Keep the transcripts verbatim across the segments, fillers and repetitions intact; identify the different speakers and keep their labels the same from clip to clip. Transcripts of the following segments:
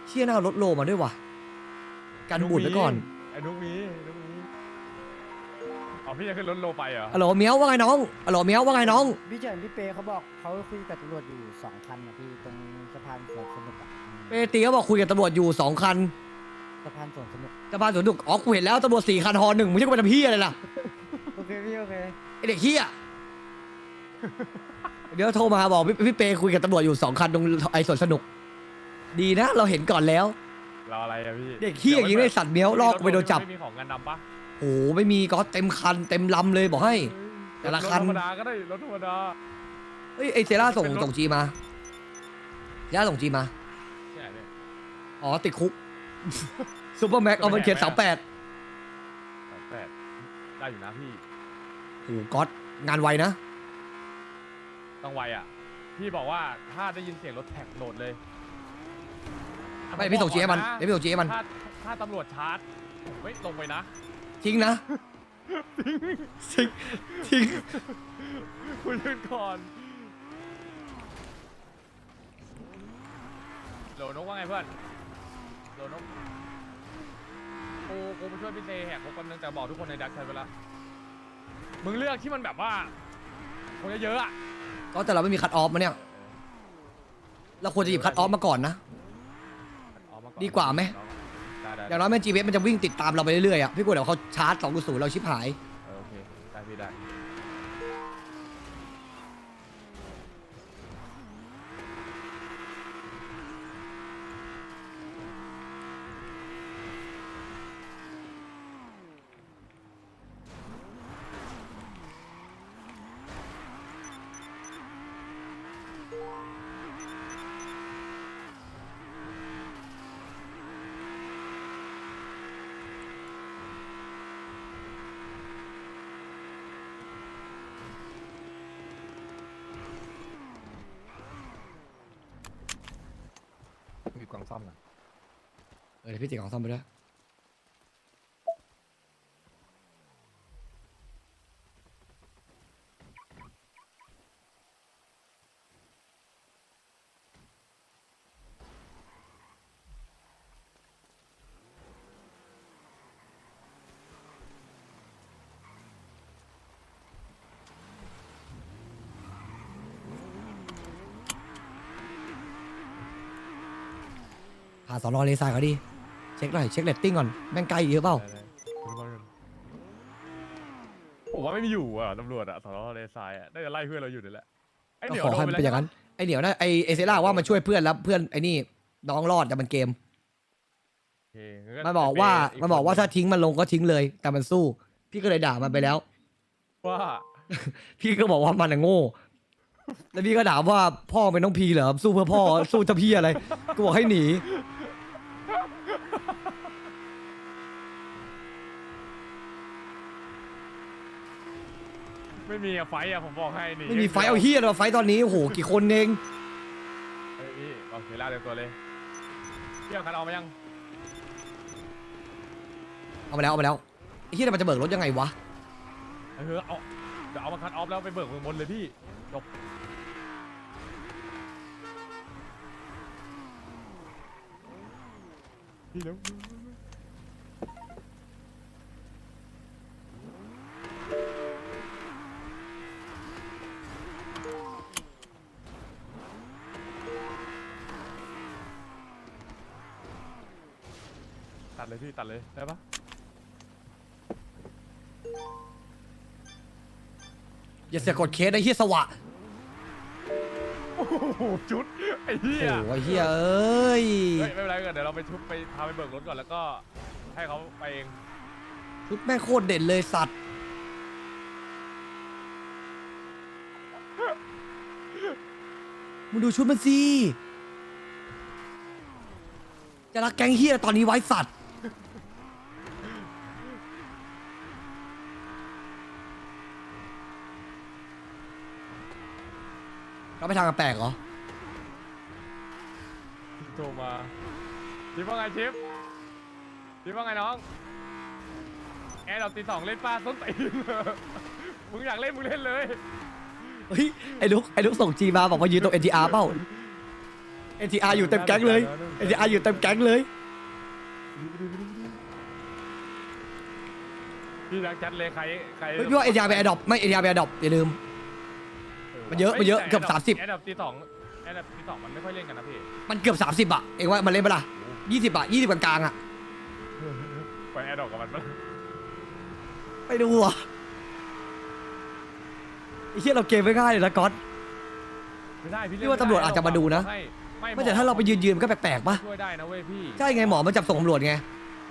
Speaker 1: เชี่ยหน้ารถโลมาด้วยวะกันบุญไว้ก่อน
Speaker 2: ไอ้นุ๊กมีนุ๊กมีอ๋อพี่จะขึ้นรถโลไปเหรอ
Speaker 1: อ๋อเมียวว่าไงน้องอ๋อเมียวว่าไงน้อง
Speaker 3: พี่เฉินพี่เปเขาบอกเขาคุยกับตำรวจอยู่สองคันนะพี่ตรงสะพานสวนสนุกอะ
Speaker 1: เปตีก็บอกคุยกับตำรวจอยู่สองคัน
Speaker 3: สะพานสวนสนุก
Speaker 1: สะพานสวนดุกอ๋อกูเห็นแล้วตำรวจสี่คันฮอหนึ่งมึงจะไปทำเฮียอะไรล่ะ
Speaker 3: โอเคพี่โอเค
Speaker 1: ไอเด็กเฮียเดี๋ยวโทรมาบอกพี่พี่เปคุยกับตำรวจอยู่สองคันตรงไอสวนสนุก ดีนะเราเห็นก่อนแล้ว
Speaker 2: รออะไรอะพี่
Speaker 1: เด็กเฮียยิงได้สัตว์เมียวลอกกูไปโดนจับ
Speaker 2: ไม่มีของงานดำปะ
Speaker 1: โอ้ไม่มีก็เต็มคันเต็มลำเลยบอกให้ แต่ละคัน
Speaker 2: รถธรรมดาก็ได้รถธรรมดา
Speaker 1: เฮ้ยไอเซล่าส่งส่งจีมาเซล่าส่งจีมา
Speaker 2: ที่ไหนเนี่ย
Speaker 1: อ๋อติดคุก ซูเปอร์แม็กเอามันเขียนสามแปด
Speaker 2: สามแปดได้อยู่นะพี่
Speaker 1: โอ้ก๊อตงานไวนะ
Speaker 2: ต้องไวอ่ะพี่บอกว่าถ้าได้ยินเสียงรถแท็กโหลดเลย
Speaker 1: ไม่พี่ส่งจีให้มัน
Speaker 2: ผ
Speaker 1: เดี๋ยวพี่ส่งจีให้มัน
Speaker 2: ถ้าถ้าตำรวจชาร์จผมไม่ลงไปนะ
Speaker 1: ทิ้งนะทิ้งทิ้ง
Speaker 2: คุยกันก่อนโหลนกว่าไงเพื่อนโหลนกกูกูไปช่วยพี่เตแหกคุกคนนึงแต่บอกทุกคนในดักใช้เวลามึงเลือกที่มันแบบว่าคนเยอะๆอ่ะ
Speaker 1: ก็แต่เราไม่มีคัตออฟมาเนี่ยเราควรจะหยิบคัตออฟมาก่อนนะ
Speaker 2: ออกมอน
Speaker 1: ดีกว่าไหม
Speaker 2: ได้ได้
Speaker 1: อย่างน้อยแม่จีเวสมันจะวิ่งติดตามเราไปเรื่อยๆอ่ะพี่กลัวเดี๋ยวเขาชาร์จสองกูศูนย์เราชิบหาย
Speaker 2: เออโอเคได้พี่ได้ มีกล่องซ่อมนะ
Speaker 1: เออเดี๋ยวพี่ติดของซ่อมไปด้วยผ่าสอนอเลซายเขาดิเช็คหน่อยเช็คเรตติ้งก่อนแม่งไกลเยอะเปล่า
Speaker 2: ได้ๆคุณบอลกันผมว่าไม่มีอยู่อ่ะตำรวจอ่ะสอนอเลซายอ่ะน่าจะไล่เพื่อนเราอยู่นี่แหละไอ้เห
Speaker 1: ก็
Speaker 2: นียว
Speaker 1: ขอ
Speaker 2: โด
Speaker 1: ให้
Speaker 2: น
Speaker 1: มัน
Speaker 2: ไป
Speaker 1: เป็นอ
Speaker 2: แล้ว
Speaker 1: ย่างนั้นไอเหนียวนะไอเอเซล่าว่ามันช่วยเพื่อนแล้วเพื่อนไอนี่น้องรอดแต่มันเกม
Speaker 2: โอเคงั้
Speaker 1: มันบอกว่า
Speaker 2: ไ
Speaker 1: มันบอกว่าถ้าทิ้งมันลงก็ทิ้งเลย แต่มันสู้ พี่ก็เลยด่ามันไปแล้ว
Speaker 2: ว่า
Speaker 1: พี่ก็บอกว่ามันอะโง่ แล้วพี่ก็ถามว่าพ่อเป็นน้องพีเหรอสู้เพื่อพ่อ สู้จะพี่อะไรกูบอกให้หนี
Speaker 2: ไม่มีอะไฟอะผมบอกให้นี่
Speaker 1: ไม่มีไฟเอาเฮียเราไฟตอนนี้โอ้โหกี่คนเอง
Speaker 2: เฮ้ยพี่โอเคล่าเร็วตัวเลยเที่ยวคันเอามายัง
Speaker 1: เอาไปแล้วเอาไปแล้วไอ้เฮียมันจะเบิกรถยังไงวะ
Speaker 2: เออเอาเดี๋ยวเอามาคันออฟแล้วไปเบิกเมืองบนเลยพี่จบพี่เร็วตัดเลยพี่ตัดเลยได้ปะ
Speaker 1: อย่าเสียกดเคสไอ้เฮียสวะ
Speaker 2: โอ้โหจุดไอ้เหี้
Speaker 1: โอ้
Speaker 2: ย
Speaker 1: โหไอ้เฮียเอ้ย
Speaker 2: เฮ้ยไม่เป็นไรก่อนเดี๋ยวเราไปชุบไปพาไปเบิกรถก่อนแล้วก็ให้เขาไปเอง
Speaker 1: ชุดแม่งโคตรเด่นเลยสัตว์มึงดูชุดมันสิจะรักแก๊งเฮียตอนนี้ไว้สัตว์เราไปทางแปลกเหรอ
Speaker 2: โทรมาชิปว่าไงชิปชิปว่าไงน้องแอร์เราตีสองเล่นป้าส้นตีน มึงอยากเล่นมึงเล่นเลย
Speaker 1: เฮ้ยไอ้ลุกไอ้ลุกส่งจีมาบอกว่ายืนตรง เอ็น ที อาร์ เปล่าเอ็นทีอาร์อยู่เต็มแก๊งเลยเอ็นทีอาร์อยู่เต็มแก๊งเลย
Speaker 2: พี่รักจัดเลยใครใคร
Speaker 1: เฮ้ยพี่ว่าเอ็นทีอาร์ไปแอดดอปไม่เอ็นทีอาร์ไปแอดดอปอย่าลืม มันเยอะมันเยอะเกือบสามสิบ
Speaker 2: แอดดับตีสองแอดดับตีสองมันไม่ค่อยเล่นกันนะพี่
Speaker 1: มันเกือบสามสิบอะเองว่ามันเล่นปะล่ะยี่สิบอะยี่สิบกลางๆอะ
Speaker 2: ไปแอดดอกกับมันปะ
Speaker 1: ไปดูอะไอ้เหี้ยเราเกมไม่ง่ายเลยนะก๊อต
Speaker 2: ไม่ได้พี่
Speaker 1: พี่ว่าตำรวจอาจจะมาดูนะ
Speaker 2: ไม่ไม่
Speaker 1: ไม่แต่ถ้าเราไปยืนยืนๆมันก็แปลกๆปะ
Speaker 2: ช่วยได้นะเว้ยพี่
Speaker 1: ใช่ไงหมอมันจับส่งตำรวจไง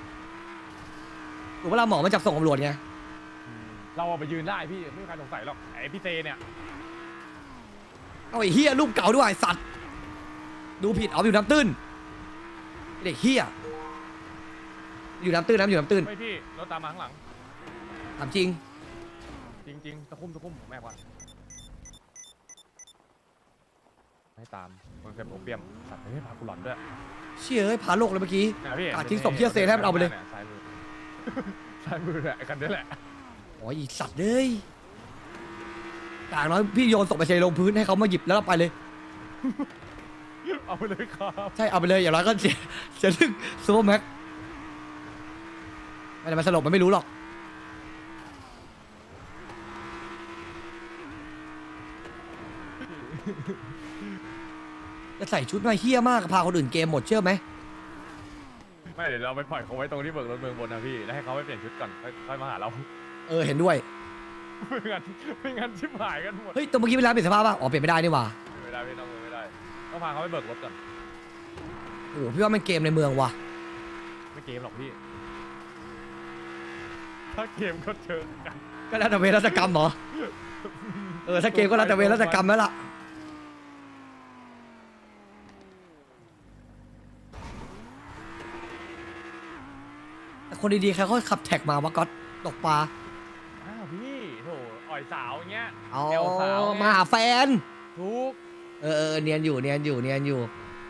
Speaker 1: ถูกเวลาหมอมันจับส่งตำรวจไง
Speaker 2: เราเอาไปยืนได้พี่ไม่มีใครสงสัยหรอกไอพี่เตเนี่ย
Speaker 1: เอาไอ้เฮียรูปเก่าด้วยไอ้สัตว์ดูผิดเอาอยู่น้ำตื้นไอ้เด็กเฮียอยู่น้ำตื้นน้ำอยู่น้ำตื้น
Speaker 2: ไม่พี่รถตามมาข้างหลัง
Speaker 1: ถามจริง
Speaker 2: จริงๆตะคุ่มตะคุ่มผมแม่กว่าไม่ตามคนเคยโอเปียมสัตว์ไม่พากูหลอนด้วย
Speaker 1: เชี่ยเอ้ยพาโลกเลยเมื่อกี้
Speaker 2: นะพี่
Speaker 1: กาดทิ้งศพเหี้ยเซนให้มันเอาไปเลย
Speaker 2: ซ้ายมือซ้ายมือแหละไอ้คันนี้แหละ
Speaker 1: โอ้ยไอ้สัตว์เลยอย่างน้อยพี่โยนศพไปเชยลงพื้นให้เขามาหยิบแล้วเราไปเลย
Speaker 2: เอาไปเลยครับ
Speaker 1: ใช่เอาไปเลยอย่างน้อยก็เสียเสียเรื่องซูเปอร์แม็กไม่ได้มาสลบมันไม่รู้หรอกจะใส่ชุดมาเฮี้ยมากพาคนอื่นเกมหมดเชื่อไหม
Speaker 2: ไม่เดี๋ยวเราไปปล่อยเขาไว้ตรงที่เบิกรถเมืองบนนะพี่แล้วให้เขาไปเปลี่ยนชุดก่อนค่อยค่อยมาหาเรา
Speaker 1: เออเห็นด้วย
Speaker 2: ไม่งั้นไม่งั้นชิบหายกันหมด
Speaker 1: เฮ้ยแตัวเมื่อกี้เวลาเปลี่ยนสภาพป่ะอ๋อเปลี่ยนไม่ได้นี่หว่า
Speaker 2: ไม่ได้ไม่ต้องไม่ได้ต้องพาเขาไปเบิกรถก่อน
Speaker 1: โอ้โหพี่ว่ามันเกมในเมืองว่ะ
Speaker 2: ไม่เกมหรอกพี่ถ้าเกมก็เจอกัน
Speaker 1: ก็แล้วแต่เวรกรรมเหรอเออถ้าเกมก็แล้วแต่เวรกรรมแล้วล่ะแต่คนดีๆใครเขาขับแท็กมาวะก๊อตตกปลา
Speaker 2: อ้าวพี่โถอ่อยสาวอย่างเงี้ย
Speaker 1: อ๋อ
Speaker 2: แนวสาวไง
Speaker 1: มาหาแฟน
Speaker 2: ทุก
Speaker 1: เออเออเนียนอยู่เนียนอยู่เนียนอยู่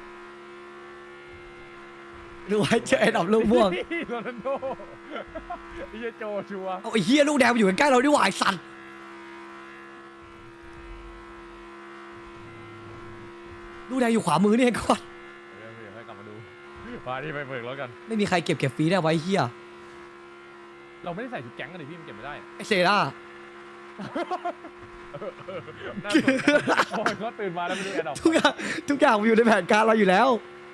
Speaker 1: ดูไว้เจอไอ้ดอกลูกม่วง
Speaker 2: โรนัลโดไอ้เหี้ยโจชัวร์
Speaker 1: เอาไอ้เฮียลูกแดงมาอยู่ใกล้ๆเราดิหว่าไอ้สัตว์ลูกแดงอยู่ขวามือนี่เองก่อน
Speaker 2: เดี๋ยวเดี๋ยวให้กลับมาดูพาที่ไปเบิกรถกัน
Speaker 1: ไม่มีใครเก็บเก็บฟรีได้ไว้เฮีย
Speaker 2: เราไม่ได้ใส่ชุดแก๊งกันดิพี่มันเก็บไม่ได้
Speaker 1: ไอเซร่า
Speaker 2: น่าสนใจพอเขาตื่นมาแล้วไม่รู้แอดดอก
Speaker 1: ทุกอย่างทุกอย่างมันอยู่ในแผนการเราอยู่แล้ว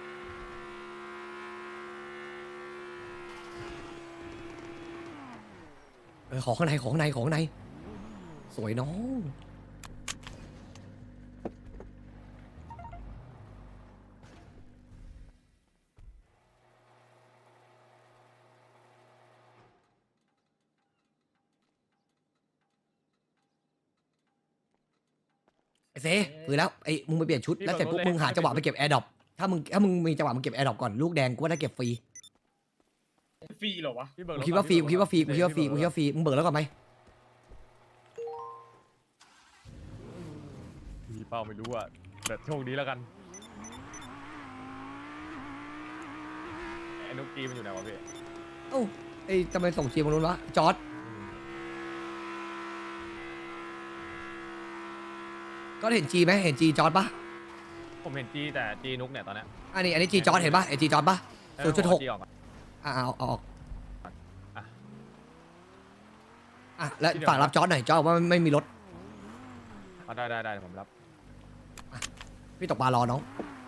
Speaker 1: เออของข้างในของข้างในของข้างในสวยน้องไอเซ่คือแล้วไอ้มึงไปเปลี่ยนชุดแล้วเสร็จปุ๊บมึงหาจังหวะไปเก็บแอร์ดรอปถ้ามึงถ้ามึงมีจังหวะมึงเก็บแอร์ดรอปก่อนลูกแดงกูว่าได้เก็บฟรี
Speaker 4: ฟรีเหรอวะ
Speaker 2: พี่เบิก
Speaker 1: กู
Speaker 2: รถ
Speaker 1: คิดว่าฟรีกูคิดว่าฟรีกูคิดว่าฟรีกูคิดว่าฟรีมึงเบิกแล้วก่อนไหม
Speaker 2: พี่เป้าไม่รู้อ่ะแต่โชคดีแล้วกันไอ้นุกกี้มันอยู่ไหนวะพี่
Speaker 1: เอ้าไอ้ทำไมส่งจีมมาลุ้นวะจอร์ดก็เห็นจีไหมเห็นจีจอร์ดปะ
Speaker 2: ผมเห็นจีแต่จีนุกเนี่ยตอนเนี้ย
Speaker 1: อันนี้อันนี้จีจอร์ดเห็นปะเห็นจีจอร์ดปะศูนย์จุดหก
Speaker 2: จีออกมา
Speaker 1: อ่ะเอาเอาออก
Speaker 2: อ่ะ
Speaker 1: อ่ะแล้วฝากรับจอร์ดหน่อยจอร์ดว่าไม่มีรถ
Speaker 2: อ่ะได้ได้ได้เดี๋ยวผมรับ
Speaker 1: พี่ตกปลารอน้อง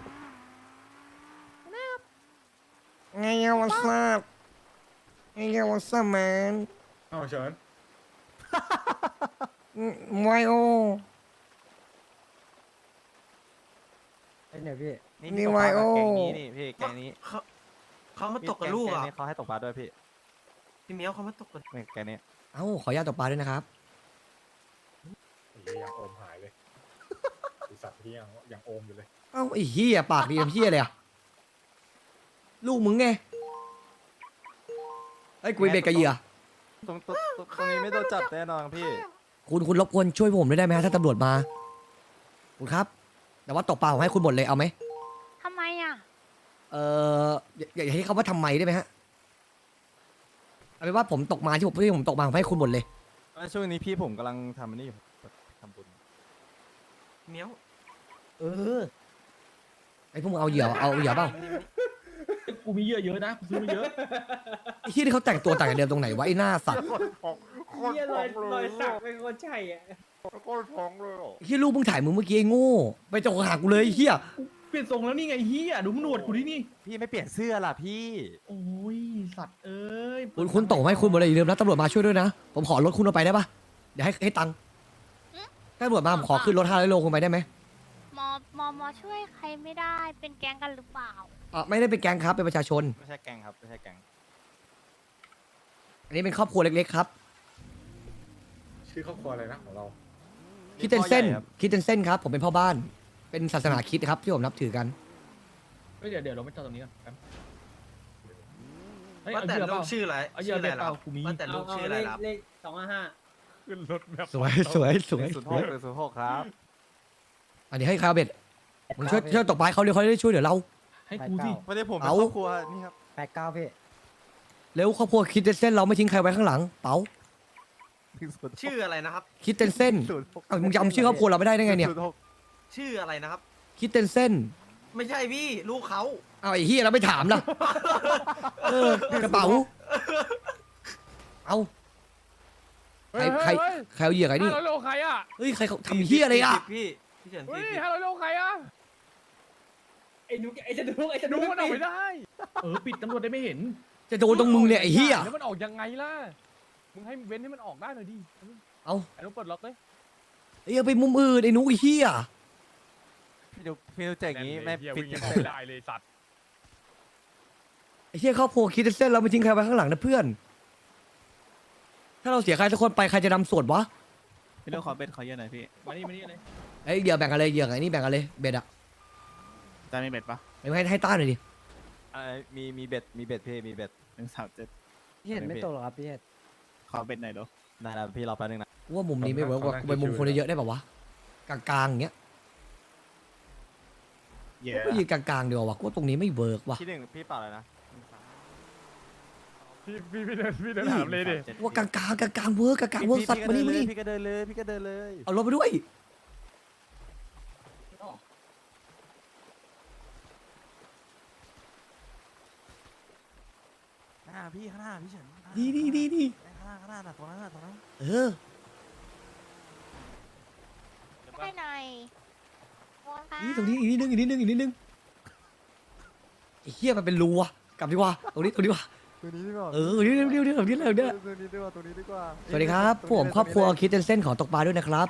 Speaker 1: ไงยังวันซับไงยังวันซับแมน
Speaker 4: เอาเฉิน
Speaker 1: ไวโอ
Speaker 3: ไอ้เนี่ยพี่
Speaker 1: นี่ไวโอ
Speaker 5: แกงนี้นี่พี่แกงนี้
Speaker 4: เขาเขามาตกกับลูก
Speaker 5: แก
Speaker 4: อ่ะ
Speaker 5: งนี้เขาให้ตกปลาด้วยพี่
Speaker 4: พี่เมียวเขามาตกกับ
Speaker 5: นี่แกงนี้
Speaker 1: เอ้าขออนุญาตตกปลาด้วยนะครับ
Speaker 6: ไอ้เหี้ยยังโอมหายเลย ไอสัตว์ที่ยังยังโอมอยู่เลย
Speaker 1: เอ้าไอ้เหี้ยปากดีทำเหี้ยเลยอะลูกมึงไงไอ้ยกูไปเบ็ดกับเหยื่อ
Speaker 5: ตรงตรงตรงตรงนี้ไม่โดนจับแน่นอนพี่
Speaker 1: คุณคุณรบกวนช่วยผมด้วยได้ไหมฮะถ้าตำรวจมาคุณครับ แต่ว่าตกปลาผมให้คุณหมดเลยเอาไหม
Speaker 7: ทำไมอ่ะ
Speaker 1: เอออย่าอย่าให้เขาว่าทำไมได้ไหมฮะเอาเป็นว่าผมตกมาที่ผมที่ผมตกมาผมให้คุณหมดเลย
Speaker 5: ช่วงนี้พี่ผมกำลังทำอันนี้อยู่ทำบุญ
Speaker 4: เมียว
Speaker 3: เออ
Speaker 1: อ้พวกมึงเอาเหยื่อเอาเหยื่อเปล่า
Speaker 4: กูมีเยอะเยอะนะกูซื้อมาเยอะ
Speaker 1: ไอ้เหี้ยที่เขาแต่งตัวต่างจากเดิมตรงไหนวะไอ้หน้าสัตว์
Speaker 4: เฮียรอยรอยสักเป็นคนใช่อ่ะ
Speaker 1: ไอ้เหี้ยลูกมึงถ่ายมึงเมื่อกี้ไอ้โง่ไปจกหากูเลยไอ้เหี้ย
Speaker 4: เปลี่ยนทรงแล้วนี่ไงเฮียดูหนวดกูดินี่
Speaker 5: พี่ไม่เปลี่ยนเสื้อล่ะพี่
Speaker 4: โอ้ยสัตว์เอ้ย
Speaker 1: คุณคุณโตไหมคุณบอกเลยอย่าลืมนะตำรวจมาช่วยด้วยนะผมขอรถคุณเอาไปได้ปะเดี๋ยวให้ให้ตังค์ถ้าตำรวจมาผมขอขึ้นรถห้าร้อยโลคุณไปได้ไหม
Speaker 7: มอมอมอช่วยใครไม่ได้เป็นแก๊งกันหรือเปล่า
Speaker 1: อ่ะไม่ได้เป็นแก๊งครับเป็นประชาชน
Speaker 5: ไม่ใช่แกงครับไม่ใช่แกง
Speaker 1: อันนี้เป็นครอบครัวเล็กๆครับ
Speaker 6: ชื่อครอบครัวอะไรนะของเรา
Speaker 1: คิดเตนเส้นคิดเตนเส้นครับผมเป็นพ่อบ้าน เป็นศาสนาคริดครับที่ผมนับถือกัน
Speaker 4: เฮ้ยเดี๋ยวเดี๋ยวเราไม่จอดตรงนี้กันแป๊บเฮ้ย
Speaker 8: ว่า
Speaker 4: เอา
Speaker 8: แต่
Speaker 4: เหยื่อเป
Speaker 8: ลู
Speaker 4: ล่าก
Speaker 8: ชื่ออะไร
Speaker 4: เอาเหยื่อ
Speaker 8: ชื่ออะไร
Speaker 4: เปล่า
Speaker 8: ล่ะ
Speaker 4: กูมี
Speaker 8: ว่าแต่ลูกชื่ออะไรล่ะ
Speaker 3: เลขสองห้าห้า
Speaker 2: ขึ้นรถแบบ
Speaker 1: สวยสวยสวย
Speaker 5: ศูนย์
Speaker 1: ส
Speaker 5: ห
Speaker 1: วย
Speaker 5: กหรือศูนย์หกครับ
Speaker 1: อันนี้ให้คาเบ็ดมึงช่วยช่วยตกปลาเขาเร็วเขาได้ช่วยเหลือเรา
Speaker 4: ให้กูสิ
Speaker 5: ไม่ได้ผมเป็น
Speaker 1: เอา
Speaker 5: ครอบครัวนี่ครับ
Speaker 3: แปดเก้าพี่
Speaker 1: เร็วครอบครัวคิดเตนเส้นเราไม่ทิ้งใครไว้ข้างหลังเป๋า
Speaker 8: ชื่ออะไรนะครับ
Speaker 1: คิดเตนเส้น
Speaker 5: ศูนย์หก
Speaker 1: เอ้ามึงจำชื่อครอบครัวเราไม่ได้ได้ไงเนี่ย
Speaker 5: ศูย์หก
Speaker 8: ชื่ออะไรนะครับ
Speaker 1: คิดเตนเส้น
Speaker 8: ไม่ใช่พี่ลูกเขา
Speaker 1: เอาไอ้เฮียเราไม่ถามล่ะเออกระเป๋าเอาใครใครใครเอาเหยื่อไอ้นี่
Speaker 2: ห้าร้อยโลใครอ่ะ
Speaker 1: เฮ้ยใครเขาทำเฮียอะไรอ่ะ
Speaker 8: พี่พี่เฉิน
Speaker 2: เฮ้ย
Speaker 8: พี่
Speaker 2: ห้าร้อยโลใครอ่ะ
Speaker 4: ไอ้นุกไอ้จะดูไอ้จะ
Speaker 2: ดู
Speaker 4: ดู
Speaker 2: มันออกไม่ได้
Speaker 4: เออปิดตำรวจได้ไม่เห็น
Speaker 1: จะโดนตรงมึงเนี่ยไอ้เฮีย
Speaker 2: แล้วมันออกยังไงล่ะมึงให้เว้นให้มันออกได้หน่อยดิ
Speaker 1: เอา
Speaker 2: ไอ้นุ๊กเปิดล็อกเลย
Speaker 1: เอ้ยเอาไปมุมอื่นไอ้หนุ้ยเฮีย
Speaker 5: พี่ดูพี่ดูเจ๋งอย่างนี้ไม่
Speaker 2: เหี้ย
Speaker 5: ฟิต
Speaker 2: วิ่ง
Speaker 5: เส้
Speaker 2: ไม่
Speaker 5: น
Speaker 2: ได้เลยสัตว์
Speaker 1: ไอ้เฮียครอบครัวคิดเส้นเราไม่ทิ้งใครไว้ข้างหลังนะเพื่อน ถ้าเราเสียใครสักคนไปใครจะนำส่วนวะ
Speaker 5: พี่เรื่องขอเบ็ดขอเยอะหน่อยพี่
Speaker 4: มานี่มานี่เลย
Speaker 1: ไอ้ยเหยื่อแบ่งกันเลยเหยื่อไอ้นี่แบ่งกันเลยเบ็ดอะ
Speaker 5: จานมีเบ็ดปะ
Speaker 1: ไม่ให้ให้ต้าหน่อยดิ
Speaker 5: อะไรมีมีเบ็ดมีเบ็ดพี่มีเบ็ดหนึ่งสามเจ็ด
Speaker 3: พี่เห็นไม่ตกหรอครับพี่เห็น
Speaker 5: ขอเบ็ดหน่อยดูได้แล้วพี่รอแป๊บนึงนะ
Speaker 1: กูว่ามุมนี้ไม่เวิร์กว่ะกูไปมุมคนเยอะๆได้ป่าวะกลางๆอย่างเงี้ย
Speaker 5: เย
Speaker 1: กูยืนกลางๆเดียววะกูว่าตรงนี้ไม่เวิร์กว่ะ
Speaker 5: ที่หนึ่งพี่เปล่าเลยนะ
Speaker 2: พี่พี่พี่เดินพี่เดินถามเลยดิ
Speaker 1: กูว่ากลางๆกลางๆเวิร์กกลางๆเวิร์กสัตว์มานี่มานี่
Speaker 5: พี่ก็เดินเลยพี่ก็เดินเลย
Speaker 1: เอารถไปด้วย
Speaker 5: หน้าพี่ข้างหน้าพี่เฉิน
Speaker 1: ดีดีดีดี
Speaker 5: ข้างหน้าข้างหน้าน่ะตรงนั้นน่ะตรงนั้น
Speaker 1: เออ
Speaker 7: ให้หน่อยมองค่ะ
Speaker 1: นี่ตรงนี้อีกนิดนึงอีกนิดนึงอีกนิดนึงไอ้เหี้ยมันเป็นรูอะกลับดีกว่าตรงนี้ตรงนี้ดีกว่า
Speaker 5: ตัวนี้ดีกว่า
Speaker 1: เออเดี๋ยวเดี๋ยวเดี๋ยวเดี๋ยวเดี๋ยวเดี๋ยว
Speaker 5: ตัวนี้ดีกว่าตัวนี้ดีกว่า
Speaker 1: สวัสดีครับผมครอบครัวคิดเส้นขอตกปลาด้วยนะครับ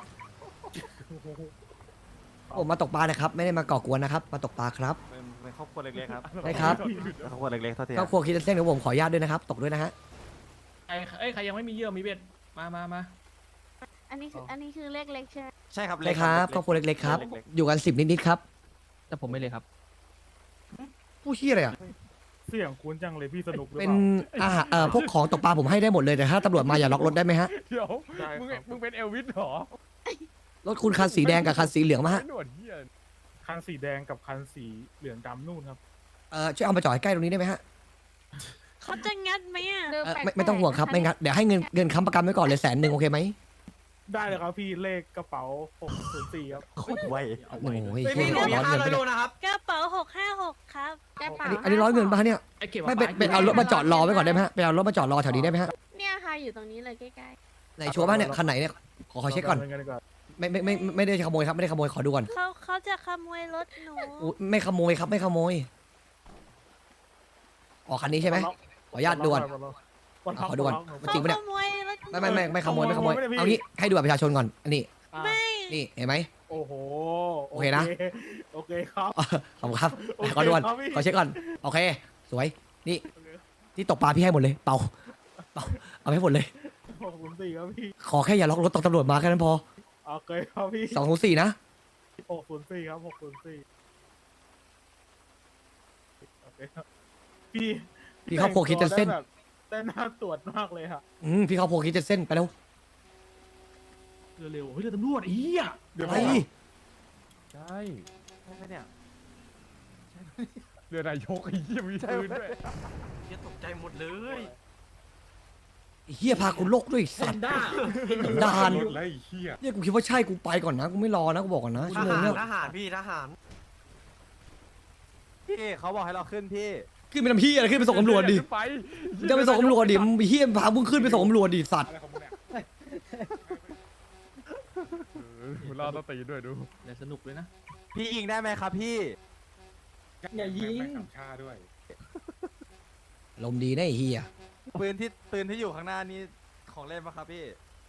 Speaker 1: ผมมาตกปลานะครับ ไม่ได้มาก่อกวนนะครับ มาตกปลาครับ
Speaker 5: เป็นเป็นครอบครัวเล็กๆครับ
Speaker 1: ได้ครับ
Speaker 5: เป็นครอบครัวเล็กๆเท่าที่
Speaker 1: ครอบครัวคิดเส้นของผมขออนุญาตด้วยนะครับ ตกด้วยนะฮะ
Speaker 4: ใครเอ้ยใครยังไม่มีเหยื่อมีเบ็ดมามามา
Speaker 7: อันนี้คืออันนี้คือเลขเล็กใช่ไหม
Speaker 5: ใช่ครับ
Speaker 1: ได้ครับครอบครัวเล็กๆครับ อยู่กันสิบนิดๆครับ
Speaker 4: แต่ผมไม่เลยครับ
Speaker 1: ผู้ชี้ยอะไรอ่ะ
Speaker 6: เสียงคุ้นจังเลยพี่สนุกหรือ
Speaker 1: เป็
Speaker 6: เป
Speaker 1: น
Speaker 6: ล่า
Speaker 1: อาหารเอ่อพวกของตกปลาผมให้ได้หมดเลยแต่ถ้าตำรวจมาอย่าล็อกรถได้ไหมฮะ
Speaker 2: เดี๋ยว
Speaker 6: ได้
Speaker 2: มึง
Speaker 6: ครับ
Speaker 2: มึงเป็นเอลวิสเหรอ
Speaker 1: รถคุณคันสีแดงกับคันสีเหลืองมาฮะ
Speaker 2: ไอ้หนวดเหี้ย
Speaker 6: คันสีแดงกับคันสีเหลืองดำนู่นครับ
Speaker 1: เอ่อช่วยเอามาจอดใกล้ตรงนี้ได้ไหมฮะ
Speaker 7: เขาจะงัดไหมอ่ะ
Speaker 1: เอ่อไม่ไม่ต้องห่วงครับไม่งั้นเดี๋ยวให้เงินเงินค้ำประกันไว้ก่อนเลยแสนหนึ่งโอเคไหม
Speaker 6: ได้เลยครับพี่เลขกระเป๋าหกศูนย์สี่ครับ
Speaker 5: โคตรไว
Speaker 1: โอ้โห
Speaker 8: เฮ้ย
Speaker 1: เหี้
Speaker 8: พี่
Speaker 1: ย
Speaker 8: หนูมี
Speaker 1: ร้อน
Speaker 8: ห้า
Speaker 1: เงิน
Speaker 8: ร้อย
Speaker 1: ปะ
Speaker 8: โล
Speaker 1: เนี่ย
Speaker 8: นะครับ
Speaker 7: กระเป๋าหกห้าหกครับกระเป๋า
Speaker 1: อันนี้อันนี้ร้อยเงินปะเนี่ย
Speaker 4: ไอ้เก็บ
Speaker 1: ไม่เป็นเป็นเอารถมาจอดรอไว้ก่อนได้ไหมฮะไปเอารถมาจอดรอแถวนี้ได้ไหมฮะ
Speaker 7: เนี่ยค่ะอยู่ตรงนี้เลยใกล้
Speaker 1: ไหนชัวร์ป่ะเนี่ยคันไหนเนี่ยขอขอเช็คก่อน
Speaker 6: ราไปาดีกว่า
Speaker 1: ไม่ไม่ไม่ไม่ไม่ได้ขโมยครับไม่ได้ขโมยขอดูก่อน
Speaker 7: ๆเขาเขาจะขโมยรถหนู
Speaker 1: อุ๊ยไม่ขโมยครับไม่ขโมยอ๋อคันนี้ใช่ไหมขออนุญาตด่วน
Speaker 6: วัน
Speaker 1: ขอดูก่อน
Speaker 7: เขา
Speaker 1: จริงปะเนี่ย
Speaker 7: ขโมยรถหนู
Speaker 1: ไม่ไม่ไม่ไม่ขโมยไม่ขโมย
Speaker 6: ขโมยไม่ได้พี่
Speaker 1: เอางี้ให้ดูบัตรประชาชนก่อนอันนี้
Speaker 7: ไม่
Speaker 1: นี่เห็นไหม
Speaker 6: โอ้โห
Speaker 1: โอเคนะ
Speaker 6: โอเคครับ
Speaker 1: ขอบคุณครับ
Speaker 6: โอเค
Speaker 1: ขอดูก่อน
Speaker 6: ครับพี่
Speaker 1: ขอเช็คก่อนโอเค สวยนี่ที่ตกปลาพี่ให้หมดเลยเป่าเป่าเอาให้หมดเลย
Speaker 6: หกศูนย์สี่ครับพี่
Speaker 1: ขอแค่อย่าล็อกรถตกตำรวจมาแค่นั้นพอ
Speaker 6: โอเคครับพี่
Speaker 1: สองศูนย์สี่นะ
Speaker 6: หกศูนย์สี่ครับหกศูนย์สี่โอเคครับพี่
Speaker 1: พี่ครอบครัวคิดจะเส้น
Speaker 6: แต่งตัวได้แบบได้น่าตรวจมากเลยค่ะ
Speaker 1: อืมพี่ครอบครัวคิดจะเส้นไปแล้ว
Speaker 4: เร็วๆเฮ้ยเรือตำรวจไอ้เหี้ย
Speaker 6: เดี๋ยว
Speaker 1: ไอ้
Speaker 2: ใช่
Speaker 5: ใช่ไหมเนี่ย
Speaker 2: เรือนายกไอ้เหี้ยมีปืนด้วย
Speaker 8: เฮียตกใจหมดเลย
Speaker 1: ไอ้เฮียพากูโลกด้วยไอ้สั
Speaker 4: แซ
Speaker 1: ต
Speaker 4: น
Speaker 1: ว์
Speaker 4: ด้า
Speaker 1: ด่าน
Speaker 6: รถไล่เฮีย
Speaker 1: เนี่ยกูคิดว่าใช่กูไปก่อนนะกูไม่รอนะกูบอกก่อนนะ
Speaker 8: ท
Speaker 1: ชั่วโมง
Speaker 8: หาร
Speaker 1: เนี่ย
Speaker 8: ทหารพี่ทหาร
Speaker 5: พี่เขาบอกให้เราขึ้นพี่
Speaker 1: ขึ้นไปทำพี่อะไรขึ้นไปส่งตำรวจดิ
Speaker 2: ขึ้นไป
Speaker 1: จะไปส่งตำรวจดิมึงเฮี้ยพามึงขึ้นไปส่งตำรวจดิสัตว์
Speaker 6: อะไรของมึงเนี่ย
Speaker 2: เออมึงรอดต้องตีด้วยดู
Speaker 4: เดี๋ยวสนุกเลยนะ
Speaker 5: พี่ยิงได้ไหมครับพี่
Speaker 6: อย่ายิงสามชาด้วย
Speaker 1: ลมณ์ดีนะไอ้เฮีย
Speaker 5: ปืนที่ปืนที่อยู่ข้างหน้านี้ของเล่นปะครับพี่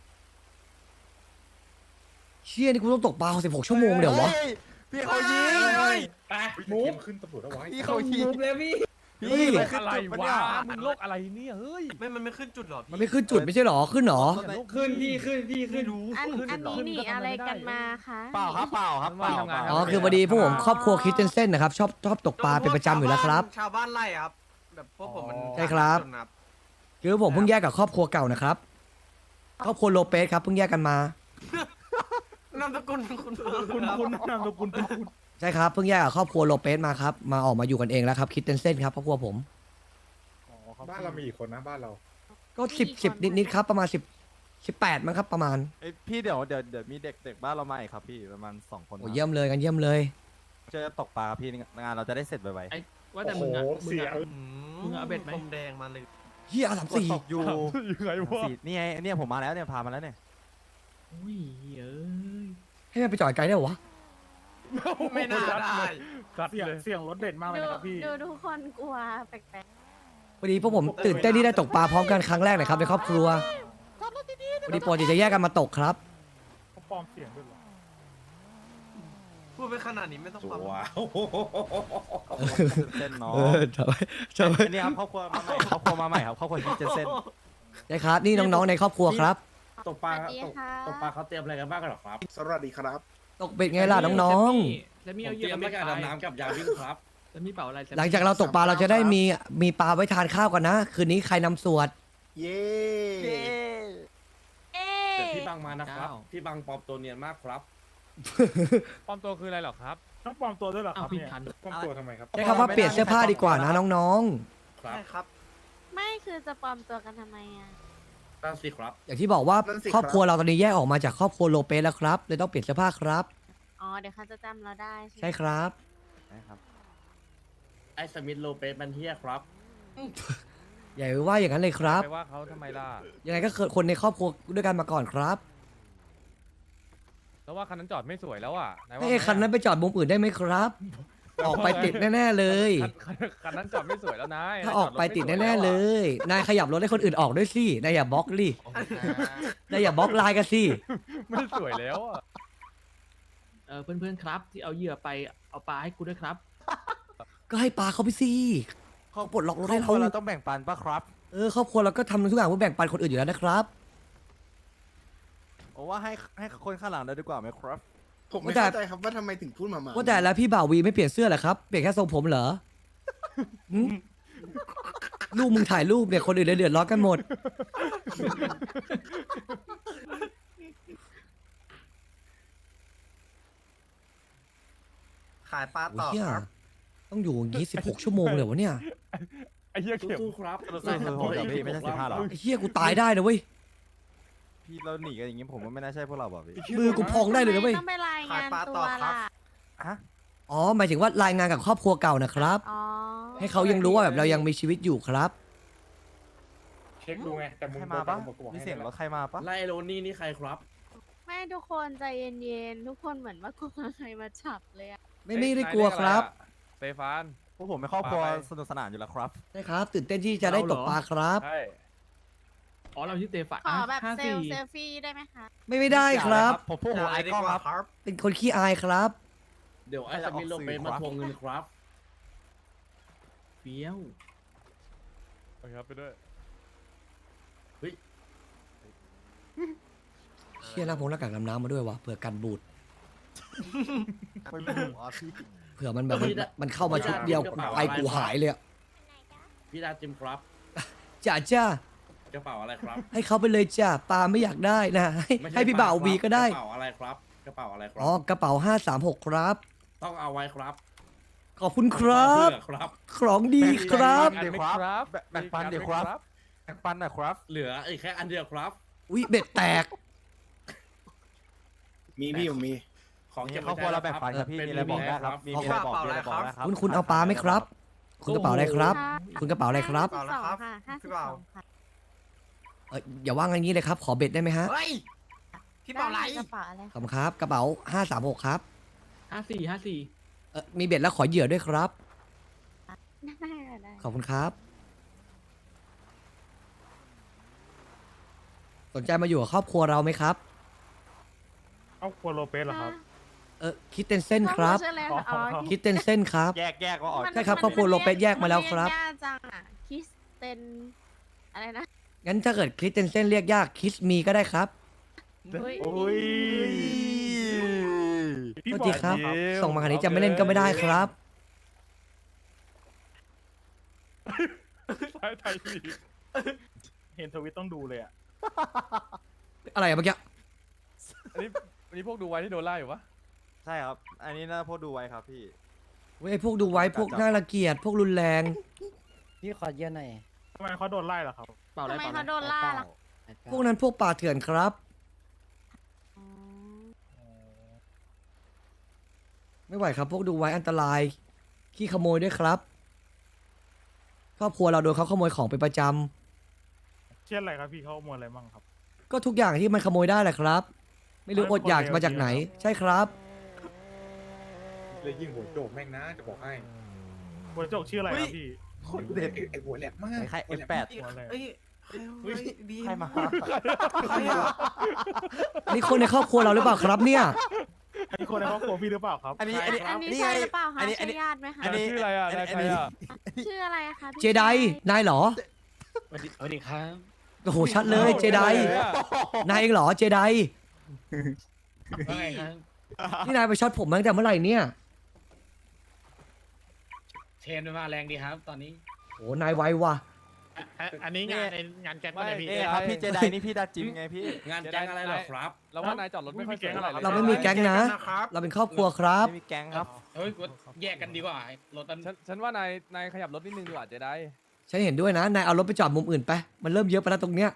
Speaker 1: เชี่ยนี่กูต้องตกปลาสิบหกชั่วโมงเดี๋ยววะ
Speaker 5: ฮ้พี่เขายิง
Speaker 6: ไปมูฟขึ้นตำรวจแล้ววะ
Speaker 5: พี่เขายิง
Speaker 1: เฮ้ย
Speaker 2: โร
Speaker 5: พี่
Speaker 2: คอะไรวะมึงโรคอะไรเนี่ยเฮ้ย
Speaker 8: ไม่มันไม่ขึ้นจุดหรอพี่
Speaker 1: มันไม่ขึ้นจุดไม่ใช่หรอขึ้นหรอ
Speaker 2: ขึ้นพี่ขึ้นพี่ขึ้นรู้
Speaker 7: อันอันนี้หนีอะไรกันมาคะ
Speaker 5: เปล่าครับเปล่าครับเปล่าเปล่า
Speaker 1: อ๋อคือพอดีพวกผมครอบครัวคริสเตนเซนนะครับชอบชอบตกปลาเป็นประจำอยู่แล้วครับ
Speaker 8: ชาวบ้านไล่อะครับ แบบพวกผมมัน
Speaker 1: ใช่ครับ
Speaker 8: จนนับ
Speaker 1: คือผมเพิ่งแยกกับครอบครัวเก่านะครับครอบครัวโลเปสครับเพิ่งแยกกันมา
Speaker 8: นามสกุลคุณ
Speaker 6: คุณคุณนามสกุลคุณคุณ
Speaker 1: ใช่ครับเพิ่งแยกกับครอบครัวโลเปสมาครับมาออกมาอยู่กันเองแล้วครับคริสเตนเซนครับครอบครัวผม
Speaker 6: บ้านเรามีอีกคนนะบ้านเรา
Speaker 1: ก็สิบสิบนิดๆครับประมาณสิบสิบแปดมั้งครับประมาณ
Speaker 5: เอ้ยพี่เดี๋ยวเดี๋ยวเดี๋ยวมีเด็กเด็กบ้านเรามาอีกครับพี่ประมาณสองคน
Speaker 1: โอ้เยี่ยมเลยกันเยี่ยมเลย
Speaker 5: เจอตกปลาครับพี่งานเราจะได้เสร็จไว
Speaker 4: ไอ้ว่าแต่มึงอ่ะ
Speaker 6: โอ้โห
Speaker 4: มึง
Speaker 6: เสีย
Speaker 4: อ่ะ
Speaker 8: อื
Speaker 4: มึงเอาเบ็ดไหม
Speaker 8: ผมแดงมาเลย
Speaker 1: เฮียสาม
Speaker 5: ๆ
Speaker 1: สี่
Speaker 5: ตกอยู่
Speaker 2: ยังไงวะ
Speaker 5: สี่นี่ไงเนี่ยผมมาแล้วเนี่ยพามาแล้วเนี่ย
Speaker 4: อุ้ยเอ้ย
Speaker 1: ให้มันไปจอดไกลได้เหรอวะ
Speaker 8: ไม่น่าได้
Speaker 2: สัด
Speaker 6: เสียง
Speaker 2: เลย
Speaker 6: เสียงรถเด็ดมากเลยนะครับพี่
Speaker 7: ดูทุกคนกลัวแปลก
Speaker 1: พอดีพวกผมตื่นเต้นที่ได้ตกปลาพร้อมกันครั้งแรกนะครับในครอบครัวพอดีปกติจะแยกกันมาตกครับ
Speaker 6: เขาปลอมเสียงด้วยเหรอ
Speaker 8: พูดไปขนาดนี้ไม่ต้องปั๊ม
Speaker 6: ว้าว
Speaker 5: เส้นเนาะ
Speaker 1: เออทำไมทำไม
Speaker 5: อันนี้ครับครอบครัวมาใหม่ครอบครัวมาใหม่ครับครอบครัวคิดเจนเซน
Speaker 1: ใช่ครับนี่น้องๆในครอบครัวครับ
Speaker 7: ๆตกปลาสวัสดีค่ะ
Speaker 4: ตกปลาเขาเตรียมอะไรกันบ้างกันหรอครับ
Speaker 9: สวัสดีครับ
Speaker 1: ตกเบ็ดไงล่ะน้อง
Speaker 4: แล้วมีเอาเหยื่อมาการดำน้ำกับยาวิ่งครับแล้วมีเป่าอะไร
Speaker 1: ๆหลังจากเราตกปลาเราจะได้มีมีปลาไว้ทานข้าวกันนะ คืนนี้ใครนำสวด
Speaker 9: เย้
Speaker 7: เอ๊
Speaker 4: เดี๋ยว
Speaker 7: ะ
Speaker 4: พี่บังมานะครับพี่บังปลอมตัวเนียนมากครับ
Speaker 2: ปลอมตัวคืออะไรหรอครับ
Speaker 6: ต้องปลอมตัวด้วยเหรอค
Speaker 4: อ้า
Speaker 6: รั
Speaker 4: ว
Speaker 6: บ
Speaker 4: พี่
Speaker 6: เนี่ย
Speaker 4: ทัน
Speaker 6: ปลอมตัวทำไมครับ
Speaker 1: ใช้คำว่าเปลี่ยนเสื้อผ้าดีกว่านะน้อง
Speaker 4: ครั
Speaker 8: ใช่
Speaker 4: บ
Speaker 8: ครับ
Speaker 7: ไม่คือจะปลอมตัวกันทำไมอ่ะ
Speaker 4: ตั้งสิครับ
Speaker 1: ๆ อย่างที่บอกว่าครอบครัวเราตอนนี้แยกออกมาจากครอบครัวโลเปสแล้วครับเลยต้องเปลี่ยนเสื้อผ้าครับ
Speaker 7: อ๋อเดี๋ยวเขาจะจำเราได้ใช่ไหม
Speaker 1: ใช่ครับ
Speaker 5: นะครับ
Speaker 4: ไอ้สมิธโลเปสมันเฮียครับ
Speaker 1: อย่าไปว่าอย่างนั้นเลยครับ
Speaker 2: ไปว่าเขาทำไมล่ะ
Speaker 1: ยังไงก็คือคนในครอบครัวด้วยกันมาก่อนครับ
Speaker 2: แล้วว่าคันนั้นจอดไม่สวยแล้วอ่ะไหนว่า
Speaker 1: ไอ้คันนั้นไปจอดมุมอื่นได้ไหมครับ ออกไปติดแน่ๆเลย
Speaker 2: คันคันคันนั้นจอดไม่สวยแล้วนาย
Speaker 1: ถ้าออกไปติดแน่ๆเลย นายขยับรถให้คนอื่นออกด้วยสิ นายอย่าบล็อกดิ นายอย่าบล็อกไลน์กันสิ
Speaker 2: ไม่สวยแล้วอ่ะ
Speaker 4: เออเพื่อนๆครับที่เอาเหยื่อไปเอาปลาให้กูด้วยครับ
Speaker 1: ก็ให้ปลาเขาไปสิเขาปลดล็อกรถ
Speaker 5: ครอ
Speaker 1: ให้
Speaker 5: บค
Speaker 1: เขา
Speaker 5: รัวเราต้องแบ่งปันปะครับ
Speaker 1: เออครอบครัวเราก็ทำทุกอย่างเพื่อแบ่งปันคนอื่นอยู่แล้วนะครับ
Speaker 5: โอ้ว่าให้ให้คนข้างหลังได้ดีกว่าไหมครับ
Speaker 9: ผมไม่
Speaker 1: ว่าแต่
Speaker 9: เข้าใจครับว่าทำไมถึงพูดมามา
Speaker 1: ว่าแต่แล้วพี่บ่าววีไม่เปลี่ยนเสื้อเหรอครับ เปลี่ยนแค่ทรงผมเหรอหึลูกมึงถ่ายรูปเนี่ยคนอื่นเลยเดือดร้อนกันหมด
Speaker 8: ขายปลา
Speaker 1: โอ้
Speaker 8: ต่อ
Speaker 1: เหี้ย
Speaker 8: ครับ
Speaker 1: ต้องอยู่อย่างนี้สิบหกชั่วโมงเลยวะเนี่ย
Speaker 2: ไอ้เหี้ยเข็ม
Speaker 4: สู้ๆครับ
Speaker 5: สู้ๆสู้ๆเดี๋ยวพี่ไม่ใช่สิบห้าหรอ
Speaker 1: ไอ้เหี้ยกูตายได้นะเว้ย
Speaker 5: พี่เราหนีกันอย่างงี้ผมว่าไม่น่าใช่พวกเราบอกพี่
Speaker 1: มือกูพองได้เลยนะเว้ย
Speaker 7: ต้องไปรายงาน
Speaker 8: ขายปลา
Speaker 7: ตั
Speaker 8: ต่
Speaker 7: ว
Speaker 8: อครับ
Speaker 7: ล่ะ
Speaker 5: ฮะ
Speaker 1: อ๋อหมายถึงว่ารายงานกับครอบครัวเก่านะครับ
Speaker 7: อ๋อ
Speaker 1: ให้เขายังรู้ว่าแบบเรายังมีชีวิตอยู่ครับ
Speaker 6: เช็คดูไงแต่มึง
Speaker 5: ใครมาปะ
Speaker 6: บอกกูบอก
Speaker 5: มี
Speaker 6: ให้
Speaker 5: เสียง
Speaker 6: นั่น
Speaker 5: ร
Speaker 6: แห
Speaker 5: ถ
Speaker 6: ละ
Speaker 5: ใครมาปะ
Speaker 4: ไล่โรนี่นี่ใครครับ
Speaker 7: ไม่ทุกคนใจเย็นๆ ทุกคนเหมือนว่ากลัวใครมาฉับเลยอะ
Speaker 1: ไม่ไม่ได้กลัวครับ
Speaker 2: สเตฟาน
Speaker 5: พวกผมไม่ครอบครัว
Speaker 2: ไป
Speaker 5: สนุกสนานอยู่แล้วครับ
Speaker 1: ใช่ครับ ตื่นเต้นที่จะได้ตกปลาครับ
Speaker 2: ใช่
Speaker 4: อ๋อเราชื่อเตฟะ
Speaker 7: ขอแบบ
Speaker 4: ห้า
Speaker 7: เซ
Speaker 4: สี่
Speaker 7: ลเซลฟี่ได้ไหมคะ
Speaker 1: ไม่ไม่ได้ครับ
Speaker 5: ผมพวกผมไอคอนครับ
Speaker 8: ครับ
Speaker 1: เป็นคนขี้อายครับ
Speaker 4: เดี๋ยวไอ้สมิธโลเปสมาทวงเงินครับเฟี้ยว
Speaker 2: โอเคครับไปด้วย
Speaker 1: เชี่ยหน้าพงหน้ากากดำน้ำมาด้วยวะเผื่อกันบูด
Speaker 5: ไม่รู้อ่ะพี่
Speaker 1: เผื่อมันแบบมันมันเข้ามาชุดเดียวไปกูหายเลยอะ
Speaker 4: พี่ดาจิมครับ
Speaker 1: จ้าจ้าก
Speaker 4: ระเป๋าอะไรครับ
Speaker 1: ให้เขาไปเลยจ้าปลาไม่อยากได้นะ ให้
Speaker 4: ไม่ช่
Speaker 1: ให้พี่บ่าว
Speaker 4: ปล
Speaker 1: วี
Speaker 4: ครับ
Speaker 1: ก็ได้
Speaker 4: กระเป๋าอะไรครับ กระเป๋าอะไรครั
Speaker 1: อ๋อกระเป๋าห้าสามหกครับ
Speaker 4: ต้องเอาไว้ครับ
Speaker 1: ขอบคุณครับ
Speaker 4: เพื่อครับ
Speaker 1: ของดีครับ
Speaker 2: อันไหมครับ
Speaker 5: แบ่งปันเดี๋ยวครับแบ่งปันหน่อยครับ
Speaker 4: เหลืออีกแค่อันเดียวครับ
Speaker 1: อุ้ยเบ็ดแตก
Speaker 9: มีพี่ผมมี ข
Speaker 4: ของ
Speaker 5: นี่
Speaker 4: เก็บ
Speaker 5: ครอบครัวเราแบ่งฝันครับพี่มีอะไรบอกได้ครับมีมีอะไรบอกมีอะไรบอกได้ครับ
Speaker 1: คุณคุณเอาปลาไหมครับ คุณกระเป๋าอะไรครับ คุณกระเป๋าอะไรครับ
Speaker 7: ห้าสิบสองค่ะห้าสิบสองค่ะ
Speaker 1: เอออย่าว่างอย่างนี้เลยครับ ขอเบ็ดได้ไหมฮะ
Speaker 8: เฮ้ย พี่เป่าไร
Speaker 7: กระเป๋าอะไร
Speaker 1: ขอบคุณครับ กระเป๋าห้าสามหกครับ
Speaker 4: ห้าสี่ห้าสี่
Speaker 1: เออมีเบ็ดแล้วขอเหยื่อด้วยครับ
Speaker 7: ได้ค่ะได้
Speaker 1: ขอบคุณครับ สนใจมาอยู่กับครอบครัวเราไหมครับ
Speaker 6: ครอบครัวโลเปสเหรอครับ
Speaker 1: เออคิดเตนเส้นครับ
Speaker 7: ชื่ออะไรคะอ๋อ
Speaker 1: คิดเตนเส้นครับ
Speaker 5: แยกแยกก็ออก
Speaker 7: มัน
Speaker 1: ใช่ครับครอบครัวโลเปสแยกมาแล้วครับ
Speaker 7: นเรียกยากจังอ่ะคริสเตนอะไรนะ
Speaker 1: งั้นถ้าเกิดคิดเตนเส้นเรียกยากคิสมีก็ได้ครับ
Speaker 7: อุ๊ย
Speaker 5: โอ้ย
Speaker 1: โทษทีครับ ส่งมาขนาดนี้จะไม่เล่นก็ไม่ได้ครับ
Speaker 6: ใช่ไทยลีกเห็นทวิตต้องดูเลยอ่ะ
Speaker 1: อะไรอะเมื่อกี้
Speaker 2: อันนี้อันนี้พวกดูไว้ที่โดนไล่อยู่ปะ
Speaker 5: ใช่ครับ อันนี้น่าพวกดูไว้ครับพี่
Speaker 1: เว้ยพวกดูไว้พวกน่ารังเกียจพวกรุนแรง
Speaker 3: พี่ขอเยอะหน่อย
Speaker 6: ทำไมเขาโดนไล่ล่ะครับ
Speaker 4: เป่าอะไร
Speaker 7: ทำไม
Speaker 4: เป่า
Speaker 7: เขา
Speaker 4: อะไร
Speaker 7: โดนล่าล่ะ
Speaker 1: พวกนั้นพวกป่าเถื่อนครับ
Speaker 7: อ๋อ
Speaker 1: ไม่ไหวครับพวกดูไว้อันตรายขี้ขโมยด้วยครับครอบครัวเราโดนเขาขโมยของเป็นประจ
Speaker 6: เช่นอะไรครับพี่เขาขโมยอะไรบ้างครับ
Speaker 1: ำก็ทุกอย่างที่มันขโมยได้แหละครับ ไม่รู้อดอยากมาจากไหน ใช่ครับ
Speaker 6: เลยยิงหัวโจกแม่งนะจะบอกให้หัวโจกชื่ออะไรครับพี่
Speaker 5: คนเด็ด
Speaker 6: ไอหัวแหลมมาก
Speaker 5: ใครเอฟแปด
Speaker 6: หัวแหลม
Speaker 8: เอ้ยเฮ้ยบี
Speaker 5: ใครมา
Speaker 8: ใครอ่ะ
Speaker 1: นี่คนในครอบครัวเราหรือเปล่าครับเนี่ย
Speaker 6: อันนี้คนในครอบครัวพี่หรือเปล่าครับ
Speaker 5: อันนี้อันนี้
Speaker 7: อันนี้
Speaker 5: นี่
Speaker 7: ใช่
Speaker 5: ไง
Speaker 7: หรือเปล่าคะ
Speaker 5: อันนี้อัน
Speaker 7: ใช่
Speaker 5: นี้
Speaker 7: ญาติไหมคะ
Speaker 5: อันนี้
Speaker 2: ชื่ออะไรอ่ะนายใครอ่ะ
Speaker 7: ชื่ออะไรอะคะพี่
Speaker 1: เจไดนายเหรอ
Speaker 4: สวัสดีสวัสดีครับ
Speaker 1: โอ้โหชัดเลยเจไดนายเองเหรอเจได
Speaker 4: ว่าไงครับ
Speaker 1: นี่นายไปช็อตผมมาตั้งแต่เมื่อไหร่เนี่ย
Speaker 4: เทรนมาแรงดีครับ ตอนนี้
Speaker 1: โอ้นายไวว่ะ
Speaker 6: อันนี้งานในงานแก๊งก็ได้พี่
Speaker 5: เอ้ครับพี่เจไดนี่พี่ดาจิมไงพี่
Speaker 4: งานแก๊งอะไรเหรอครับ
Speaker 2: เราว่านายจอดรถไม่ค่อยสวยเท่าไหร่เลย
Speaker 1: เราไม่มีแก๊งนะ เราเป็นครอบครัวครับ
Speaker 5: ไม่มีแก๊งครับ
Speaker 4: เฮ้ยแยกกันดีกว่า รถมัน
Speaker 2: ฉันฉันว่านายนายขยับรถนิดนึงดีกว่าจะได้
Speaker 1: ฉันเห็นด้วยนะ นายเอารถไปจอดมุมอื่นไป มันเริ่มเยอะไปแล้วตรงเนี้ย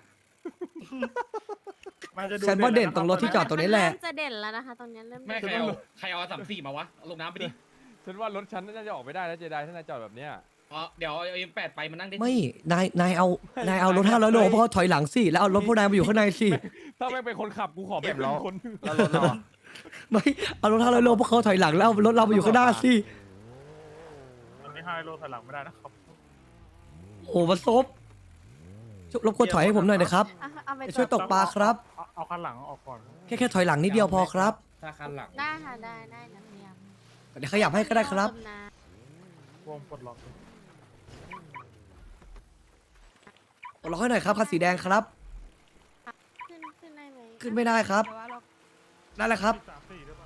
Speaker 6: มันจะดู
Speaker 1: ฉันว่าเด่นตรงรถที่จอดตรงนี้แหละ
Speaker 7: มัเริ่มจะเด่นแล้วนะคะตรงเนี้ยเริ่ม
Speaker 4: แม่
Speaker 7: เด่น
Speaker 4: ใครเอาใครเอาสามสี่มาวะเอาลงน้ำไปดิ
Speaker 2: ฉันว่ารถฉันน่าจะออกไม่ได้แล้วเจไดถ้านายจอดแบบเนี้ย
Speaker 4: อ๋อเดี๋ยวเอาเอ็มแปดไปมานั่งได้
Speaker 1: ไม่ นาย นายเอา นายเอารถห้าร้อยโลเพราะเขาถอยหลังสิ แล้วเอารถพวกนายมาอยู่ข้างในสิ
Speaker 2: ถ้าแม่งเป็นคนขับกูขอไม่เป็นคน
Speaker 5: แล้วรถเราอะ
Speaker 1: ไม่ เอารถห้าร้อยโลเพราะเขาถอยหลังแล้วเอารถเรามาอยู่ข้างหน้าสิ
Speaker 6: ตอนนี้ห้าโลถอยหลังไม่ได้นะครับ
Speaker 1: โอ้มาซบช่วยรบกวนถอยให้ผมหน่อยนะครับ
Speaker 7: อ่ะเอาไป
Speaker 1: จะช่วยตกปลาครับ
Speaker 6: เอาเอาคันหลังออกก่อน
Speaker 1: แค่แค่ถอยหลังนิดเดียวพอครับ
Speaker 4: ถ้าคันหลัง
Speaker 7: ได้ค่ะได้ได้นักเรียน
Speaker 1: เดี๋ยวขยับให้ก็ได้ครับ
Speaker 6: วงปลดล็อก
Speaker 1: รอให้หน่อยครับคันสีแดงครับ
Speaker 7: ขึ้นขึ้นได้ไหม
Speaker 1: ขึ้นไม่ได้ครับ ได้แล้วครับ
Speaker 6: สามสี่หรือเปล่า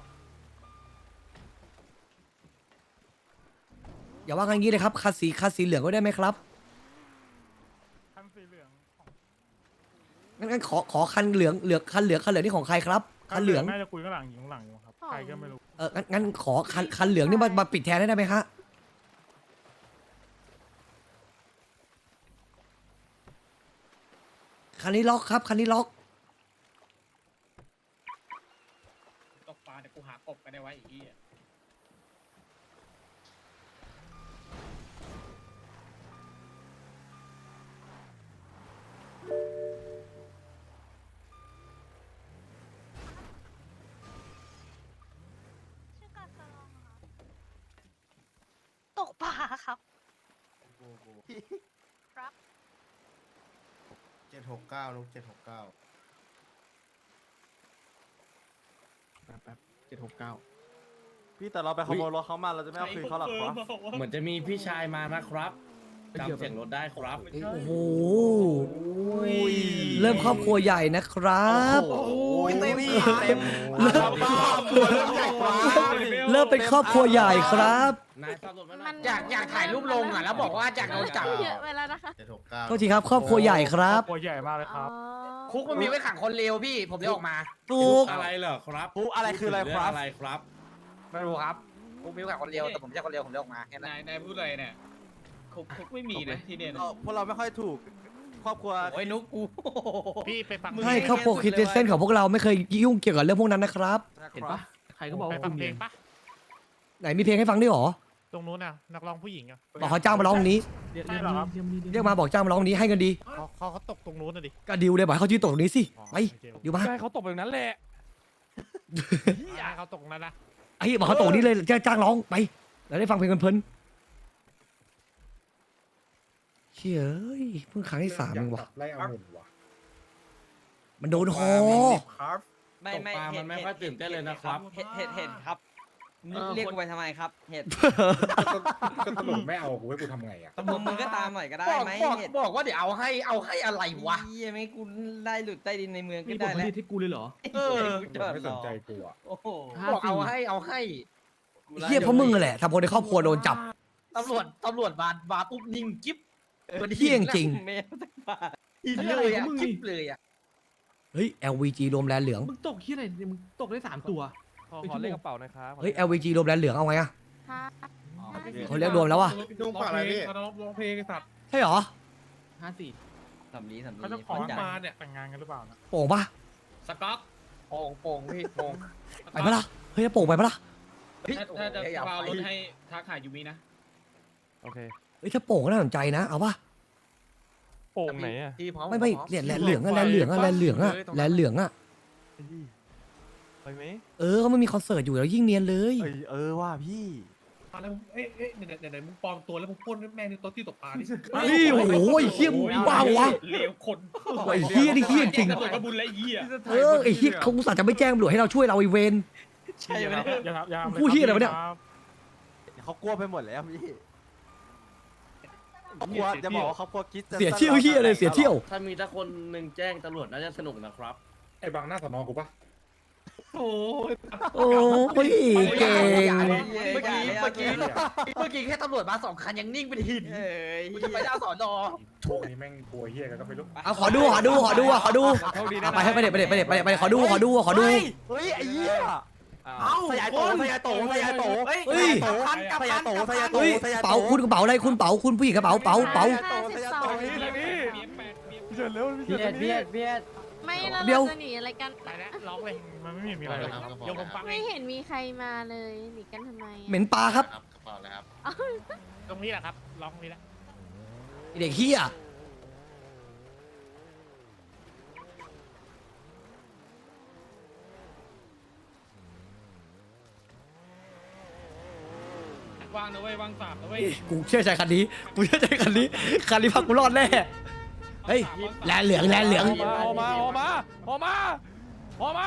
Speaker 1: อย่าว่ากันงี้เลยครับ คันสี คันสีเหลืองก็ได้ไหมครับ
Speaker 6: คันสีเหลืองของ
Speaker 1: งั้นงั้นขอ ขอคันเหลือง เหลือง คันเหลือง คันเหลืองนี่ของใครครับ คันเหลือง
Speaker 6: น่าจะคุยข้างหลังอยู่ข้างหลังอยู่ครับใครก็ไม่รู้
Speaker 1: เอองั้นงั้นขอคัน คันเหลืองนี่มา มาปิดแทนได้ไหมฮะ คันนี้ล็อกครับ คันนี้ล็อก
Speaker 4: ตกปลาเดี๋ยวกูหากบกันได้ไว้อีกที
Speaker 7: ตกปลาครับ ครับ
Speaker 9: เจ็ดหกเก้าลูกเจ็ดหกเก้า
Speaker 4: แป๊บแป๊บเจ็ดหกเก้า
Speaker 5: พี่แต่เราไปขโมยรถเขามาเราจะไม่เอาคืนเขาหรอกครับ
Speaker 4: เหมือนจะมีพี่ชายมานะครับจำเสียงรถได้ครับ
Speaker 1: โอ้โห เริ่มครอบครัวใหญ่นะครับ
Speaker 5: โอ้ยเต็ม
Speaker 9: เต็ม
Speaker 1: เริ่ม เริ่มเป็นครอบครัวใหญ่ครับ
Speaker 4: นายขับรถมาหน่
Speaker 7: มั
Speaker 4: อย
Speaker 7: น
Speaker 8: อยากอยากถ่ายรูปลงอ่ะแล้วบอกว่าอยากโดนจับ
Speaker 7: เยอะไปแล้วนะคะ
Speaker 9: เจ็ดหกเก้า
Speaker 1: โทษทีครับ ครอบครัวใหญ่ครับ
Speaker 6: ตัวใหญ่มากเลยครับ
Speaker 7: อ๋อ
Speaker 8: คุกมันมีไว้ขังคนเลวพี่ ผมเลยออกมา
Speaker 1: ถูก
Speaker 4: อะไรเหรอครับ
Speaker 5: ปุ๊อะไรคืออะไรครับ
Speaker 4: อะไรครับ
Speaker 8: ไม่รู้ครับคุกมีไว้ขังคนเลวแต่ผมไม่ใช่คนเลวผมเลยออกมาแค่นั้น
Speaker 4: นายนายพูดอะไรเนี่ยคุกคุกไม่มีนะที่เนี่ย
Speaker 5: เออพวกเราไม่ค่อยถูก ครอบครัว
Speaker 4: โอ้ยนุกกู
Speaker 6: พี่ไปฟัง
Speaker 1: ใช่ครอบครัวคริสเตนเซนของพวกเราไม่เคยยุ่งเกี่ยวกับเรื่องพวกนั้นนะครับ
Speaker 4: เห็นปะ
Speaker 8: ใครก็บอก
Speaker 6: ไป
Speaker 8: ว่า
Speaker 6: ฟั
Speaker 8: คุ
Speaker 6: ง
Speaker 8: ณ
Speaker 6: เพล
Speaker 8: เรีย
Speaker 6: ง
Speaker 8: น
Speaker 6: ปะ
Speaker 1: ไหนมีเพลงให้ฟังด้วยเหรอ
Speaker 6: ตรงนู้นน่ะนักร้องผู้หญิงอ่ะ
Speaker 1: บอกเขาจ้างมาร้องตรงนี้
Speaker 8: เรียน
Speaker 6: ใช่
Speaker 8: เรียน
Speaker 6: เหรอครับ
Speaker 8: เรียนเรียน
Speaker 1: เรียกมาบอกจ้างมาร้องตรงนี้ให้เงินดี
Speaker 6: เขาเขาเขาตกตรงนู้นน่ะดิ
Speaker 1: ก็ดิวเลยบอกให้เขายืนตรงนี้สิไปดิวมา
Speaker 2: ใช่เขาตกแบบนั้นแหละ
Speaker 6: อย่าให้เขาตกตรงนั้นนะ
Speaker 1: ไอ้บอกเขาตรงนี้เลยจะจ้างร้องไปแล้วได้ฟังเพลงเพลินๆเชี่ยเอ้ยเพิ่งครั้งที่สามเองวะ
Speaker 6: ไล่เอาหมดวะ
Speaker 1: มันโดนคอ
Speaker 6: ครับ
Speaker 4: ไม่ไม่มันไม่ค่อยตื่นเต้นเลยนะครับ
Speaker 10: เห็ดเห็ดเห็ดครับ
Speaker 4: เออ
Speaker 10: เรียกกูไปทำไมครับ เห็ด
Speaker 6: ก็ตำรวจไม่เอากูให้กูทำไงอ่ะ
Speaker 10: มึงมึงก็ตามหน่อยก็ได้ไหมเห็ด
Speaker 4: บอกว่าเดี๋ยวเอาให้เอาให้อะไรวะ
Speaker 10: เหี้ยไม่กูได้หลุดใต้ดินในเมืองก็
Speaker 8: มีบ
Speaker 10: ได้
Speaker 8: ทผ
Speaker 10: แล้ว
Speaker 8: ลิตให้กูเลยเหรอ
Speaker 4: เออ
Speaker 10: จอด
Speaker 6: ไม่
Speaker 10: ร
Speaker 6: ส
Speaker 10: อน
Speaker 6: ใจกูอ่ะ
Speaker 10: โอ้โห
Speaker 4: บอกเอาให้เอาให้
Speaker 1: เฮียเพราะมึงนั่นแหละทำคนในครอบครัวโดนจับ
Speaker 4: ตำรวจตำรวจมามาปุ๊บนิ่งกิ๊บ
Speaker 1: เฮี้ยจริง
Speaker 10: แมวสักบาท
Speaker 4: หินเลยอ่ะกิ๊บเลยอ่ะ
Speaker 1: เฮ้ย แอล วี จี รวมแลนเหลือง
Speaker 8: มึงตกที่ไหนเนี่ยมึงตกได้สามตัว
Speaker 2: ขอขอเลขกระเป๋าหนะครับ
Speaker 1: เฮ้ย แอล วี จี รวมแลนเหลืองเอาไงอะ
Speaker 7: ค่ะ
Speaker 1: เขาเรียกรวมแล้ววะ
Speaker 6: นุ่งปากอะไรพี่เขาร้องเพลงไอ้สัตว์
Speaker 1: ใช่เหรอ
Speaker 8: ห้าสี่
Speaker 10: สำลีสำลี
Speaker 6: เขาจะขอมาเนี่ยแต่งงานกันหรือเปล่านะ
Speaker 1: โป่งปะ
Speaker 4: สก๊อกโป่งโป่งพี่โป่ง
Speaker 1: ไปปะล่ะ เฮ้ยจะโป่งไปปะล่ะ
Speaker 4: ถ้าจะเอารถให้ทักหายูมินะ
Speaker 2: โอเค
Speaker 1: เฮ้ยถ้าโป่งก็น่าสนใจนะ เอาปะ
Speaker 2: โป่งไหนอะ
Speaker 4: ที่พร้อม
Speaker 1: ไม่ไม่เนี่ยแลนเหลืองอะแลนเหลืองอะแลนเหลืองอะแลนเหลืองอะ
Speaker 2: ไปไหม
Speaker 1: เออเขาไม่มีคอนเสิร์ตอยู่แล้วยิ่งเนียนเลย
Speaker 5: เอ้ยเออว่าพี่
Speaker 6: แล้วเอ๊ะเอ๊ะไหนไหนมึงปลอมตัวแล้วมึงพ่นแม่งในโต๊ะที่ตกปลาดิ
Speaker 1: เฮ้ยโอ้โหไอ้เฮี้ยมึงบ้าวะ
Speaker 6: เลวคน
Speaker 1: ไอ้เฮี้ยนี่เฮี้ยจริง
Speaker 6: ตำรวจก็บุญและเหี้ย
Speaker 1: เออไอ้เฮี้ยเขาอุตส่าห์จะไม่แจ้งตำรวจให้เราช่วยเราไอเวน
Speaker 10: ใช่ไหม
Speaker 6: อย่าทำอย่าทำ
Speaker 1: พูดเหี้ยอะไรวะเนี่ย
Speaker 5: เขากลัวไปหมดแล้วพี่เขากลัวจะบอกว่าเขากลัวคิดจะ
Speaker 1: เสียเที่ยวเฮี้ยเลยเสียเที่ยว
Speaker 4: ถ้ามีถ้าคนหนึ่งแจ้งตำรวจน่าจะสนุกนะครับ
Speaker 6: ไอ้บางหน้าสนอกูปะ
Speaker 4: โอ้ย
Speaker 1: โอ้ยเก่ง
Speaker 4: เมื่อกี้เมื่อกี้เมื่อกี้แค่ตำรวจมาสองคันยังนิ่งเป็นหิน
Speaker 10: เอ้ย
Speaker 4: กูจะไปดาวสอนอ
Speaker 6: โชคนี้แม่งกลัวเหี้ยกันก็ไม่รู้
Speaker 1: เอาขอดูขอดูขอดูขอดู
Speaker 2: โชคดีนะ
Speaker 1: เอาไปให้ไปเด็ดไปเด็ดไปเด็ดไปเด็ดไปเด็ดขอดูขอดูขอดู
Speaker 5: เฮ้ยไอ้เหี้ย
Speaker 2: อ้าว
Speaker 5: สยายโตสยายโตสยายโต
Speaker 10: เฮ้ย
Speaker 1: เฮ้ย
Speaker 5: สยายโตสยายโต
Speaker 1: เฮ้ย
Speaker 5: สยายโต
Speaker 1: เป๋าคุณกระเป๋าอะไรคุณเป๋าคุณผู้หญิงกระเป๋าเป๋าเป๋า
Speaker 7: ห้าสิบสอง
Speaker 2: นี่นี่เฉินเร็ว
Speaker 3: เบียดเบียดเบียด
Speaker 7: ไม่แล้ว
Speaker 1: เดี๋ยว
Speaker 7: เราจะหนีอะไรกัน
Speaker 6: ไปแล้วร้องเลยมันไม่มีมีอะไรเลยยกผมฟังเอ
Speaker 7: ไม่
Speaker 6: ง
Speaker 7: เห็นมีใครมาเลยหนีกันทำไมอะ
Speaker 1: เหม็นปลาครับ
Speaker 6: ตรงนี้แหละครับร้องตรงนี้แหละ
Speaker 1: ไอ้เด็กเฮีย
Speaker 2: วางนะเว้ยวางสามนะเว้ย
Speaker 1: กูเชื่อใจคันนี้กูเชื่อใจคันนี้คันนี้พักกูรอดแน่เฮ้ยแลนเหลืองแลนเหลือง
Speaker 2: ออกมาออกมาออกมาออกมา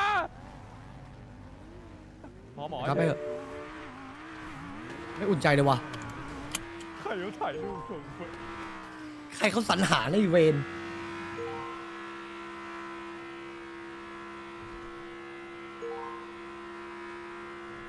Speaker 2: หมอหมอ
Speaker 1: ครับไปเถอะไม่อุ่นใจเลยว่ะ
Speaker 2: ใครเขาถ่ายรูปผม
Speaker 1: ใครเขาสรรหาในเวร
Speaker 2: เ